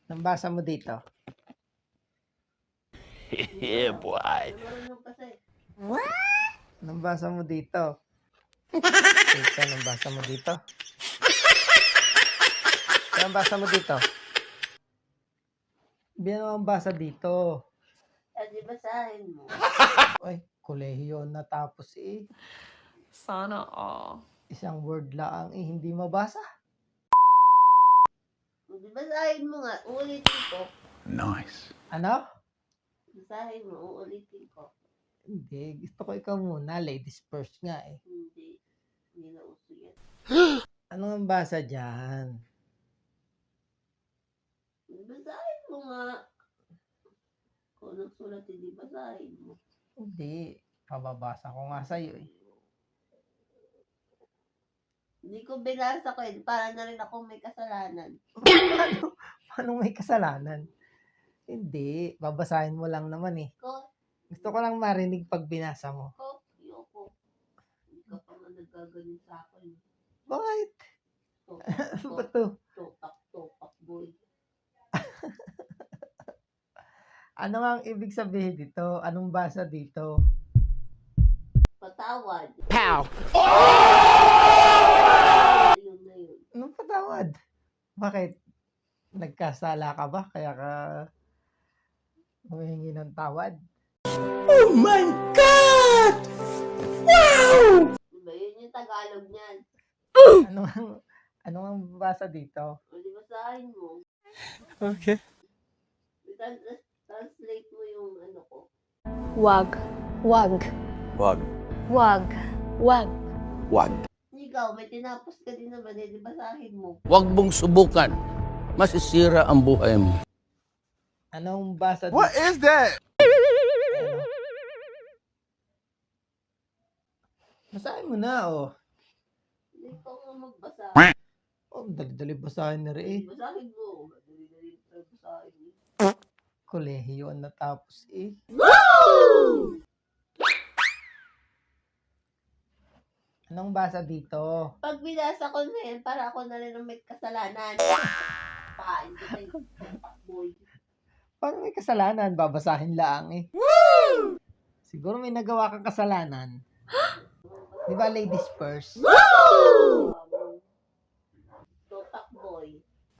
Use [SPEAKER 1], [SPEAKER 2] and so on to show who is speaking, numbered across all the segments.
[SPEAKER 1] Nabasa mo dito.
[SPEAKER 2] Yeah, boy.
[SPEAKER 1] What? Nabasa mo dito. Ito, nabasa mo dito. Nabasa mo dito. Biyan mo ang basa dito.
[SPEAKER 3] Di basahin mo.
[SPEAKER 1] Ay, kolehiyo natapos eh.
[SPEAKER 4] Sana all.
[SPEAKER 1] Isang word lang eh, hindi mabasa.
[SPEAKER 3] Di basahin mo nga. Uulitin ko.
[SPEAKER 2] Nice.
[SPEAKER 1] Ano?
[SPEAKER 3] Basahin mo. Uulitin ko.
[SPEAKER 1] Hindi, gusto ko ikaw muna. Ladies first nga eh.
[SPEAKER 3] Hindi. Hindi na uso yan.
[SPEAKER 1] Ano ang basa dyan?
[SPEAKER 3] Basahin mo nga. Kung nagsulat, hindi basahin mo.
[SPEAKER 1] Hindi. Pababasa ko nga sa'yo eh.
[SPEAKER 3] Hindi ko binasa ko eh. Para na rin ako may kasalanan.
[SPEAKER 1] Paano may kasalanan? Hindi. Babasahin mo lang naman eh. Gusto ko lang marinig pag binasa mo.
[SPEAKER 3] Yoko. Hindi ka pa nga nagaganin sa akin.
[SPEAKER 1] Bakit? Ano ba to?
[SPEAKER 3] Topak, boy.
[SPEAKER 1] Ano nga ang ibig sabihin dito? Anong basa dito?
[SPEAKER 3] Patawad.
[SPEAKER 2] Pow!
[SPEAKER 3] Yun na yun.
[SPEAKER 1] Anong patawad? Bakit? Nagkasala ka ba? Kaya ka humihingi ng tawad?
[SPEAKER 2] Oh my God! Wow!
[SPEAKER 3] Diba? Yun yung Tagalog niyan.
[SPEAKER 1] Ano ang basa dito?
[SPEAKER 3] O di basahin mo.
[SPEAKER 2] Okay.
[SPEAKER 3] Translate mo yung ano ko.
[SPEAKER 5] Wag. Wag.
[SPEAKER 2] Wag.
[SPEAKER 5] Wag. Wag.
[SPEAKER 2] Wag.
[SPEAKER 3] Ikaw, may tinapos ka din naman eh. Di basahin mo.
[SPEAKER 6] Huwag mong subukan. Masisira ang buhay mo.
[SPEAKER 1] Anong basa dito?
[SPEAKER 2] What is that?
[SPEAKER 1] Ano? Basahin mo na, oh.
[SPEAKER 3] Hindi ko nga magbasa.
[SPEAKER 1] Oh, dali-dali basahin na rin eh.
[SPEAKER 3] Basahin mo. Dali-dali basahin mo.
[SPEAKER 1] Kolehiyo ang natapos eh. Anong basa dito?
[SPEAKER 3] Pag binasa ko na yan, para ako na rin ang may kasalanan. Pain ko na yung boy.
[SPEAKER 1] Paano may kasalanan? Babasahin lang eh. Siguro may nagawa kang kasalanan. Di ba ladies first?
[SPEAKER 3] Topak boy.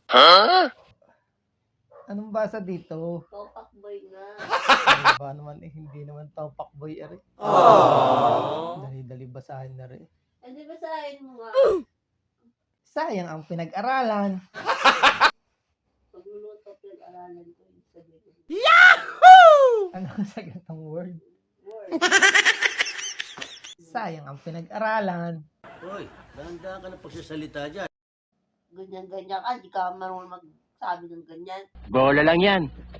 [SPEAKER 1] Anong basa dito?
[SPEAKER 3] Topak boy nga.
[SPEAKER 1] Ano ba naman eh, hindi naman topak boy rin. Dali-dali basahin na rin.
[SPEAKER 3] Hindi basahin mo nga.
[SPEAKER 1] Sayang ang pinag-aralan.
[SPEAKER 3] Pagluluto pinag-aralan ko yung sabihin.
[SPEAKER 1] Ano sa ganitong word?
[SPEAKER 3] Word.
[SPEAKER 1] Sayang ang pinag-aralan.
[SPEAKER 7] Hoy, dahan-dahan ka na pagsasalita dyan.
[SPEAKER 3] Ganyan-ganyan ka. Di ka marunong magsabi ng ganyan.
[SPEAKER 6] Bola lang yan.